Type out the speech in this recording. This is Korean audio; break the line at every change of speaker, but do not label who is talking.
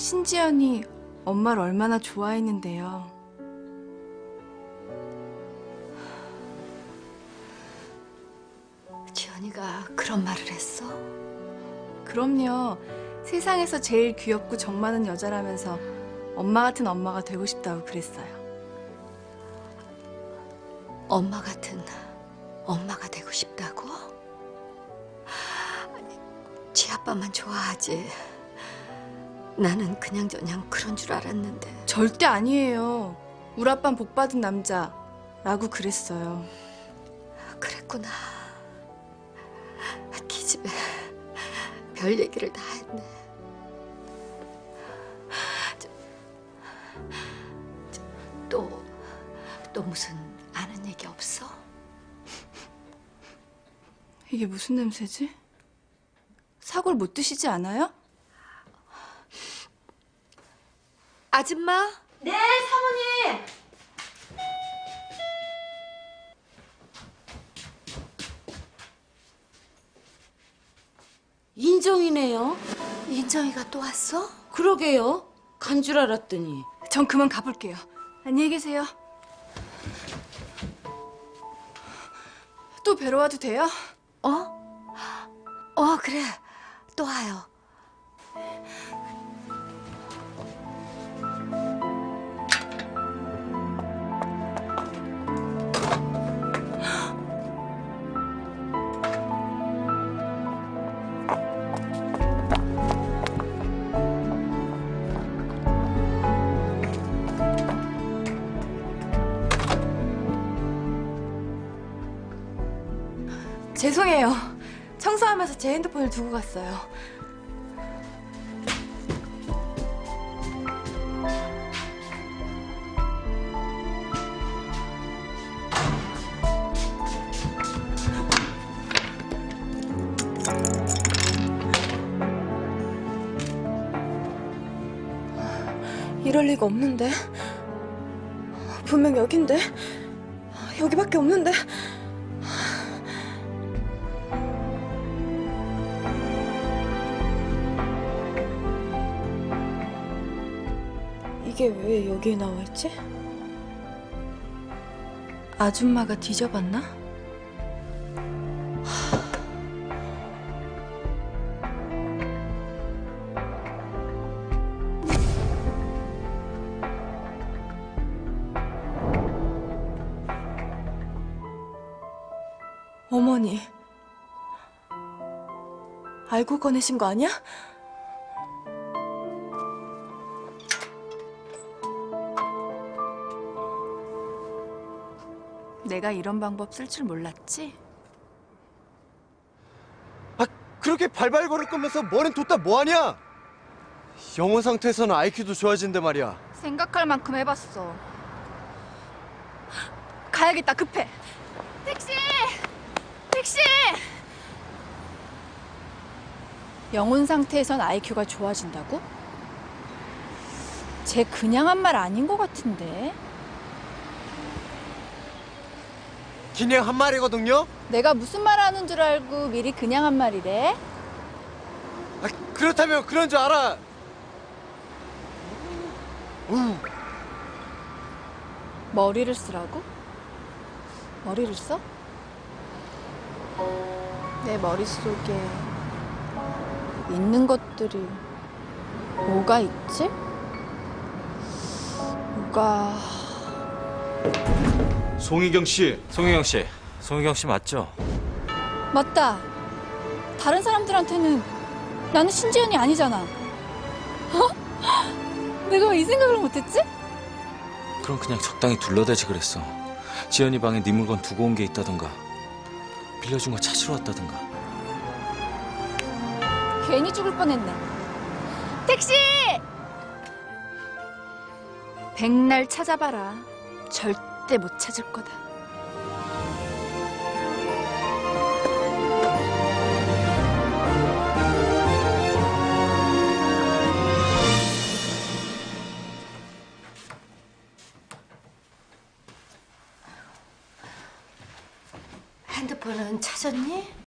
신지연이 엄마를 얼마나 좋아했는데요.
지연이가 그런 말을 했어?
그럼요. 세상에서 제일 귀엽고 정 많은 여자라면서 엄마 같은 엄마가 되고 싶다고 그랬어요.
엄마 같은 엄마가 되고 싶다고? 지 아빠만 좋아하지. 나는 그냥저냥 그런 줄 알았는데.
절대 아니에요. 우리 아빠는 복받은 남자라고 그랬어요.
그랬구나. 기집애 별 얘기를 다 했네. 또 무슨 아는 얘기 없어?
이게 무슨 냄새지? 사골 못 드시지 않아요?
아줌마?
네, 사모님. 인정이네요.
인정이가 또 왔어?
그러게요. 간 줄 알았더니.
전 그만 가볼게요. 안녕히 계세요. 또 뵈러 와도 돼요?
그래. 또 와요.
죄송해요. 청소하면서 제 핸드폰을 두고 갔어요. 이럴 리가 없는데. 분명 여긴데. 여기밖에 없는데. 이게 왜 여기에 나와 있지? 아줌마가 뒤져봤나? 어머니, 알고 꺼내신 거 아니야? 내가 이런 방법 쓸 줄 몰랐지?
아, 그렇게 발발 걸을 거면서 머린 뒀다 뭐하냐? 영혼 상태에서는 IQ도 좋아진대 말이야.
생각할 만큼 해봤어. 가야겠다, 급해. 택시! 택시! 영혼 상태에선 IQ가 좋아진다고? 쟤 그냥 한 말 아닌 것 같은데.
그냥 한 말이거든요?
내가 무슨 말 하는 줄 알고 미리 그냥 한 말이래?
아, 그렇다면 그런 줄 알아.
머리를 쓰라고? 머리를 써? 내 머릿속에 있는 것들이 뭐가 있지? 뭐가...
송희경 씨. 송희경 씨 맞죠?
맞다. 다른 사람들한테는 나는 신지연이 아니잖아. 어? 내가 왜 이 생각을 못했지?
그럼 그냥 적당히 둘러대지 그랬어. 지연이 방에 네 물건 두고 온 게 있다던가 빌려준 거 찾으러 왔다던가.
괜히 죽을 뻔했네. 택시! 백날 찾아봐라. 절대 못 찾을 거다.
핸드폰은 찾았니?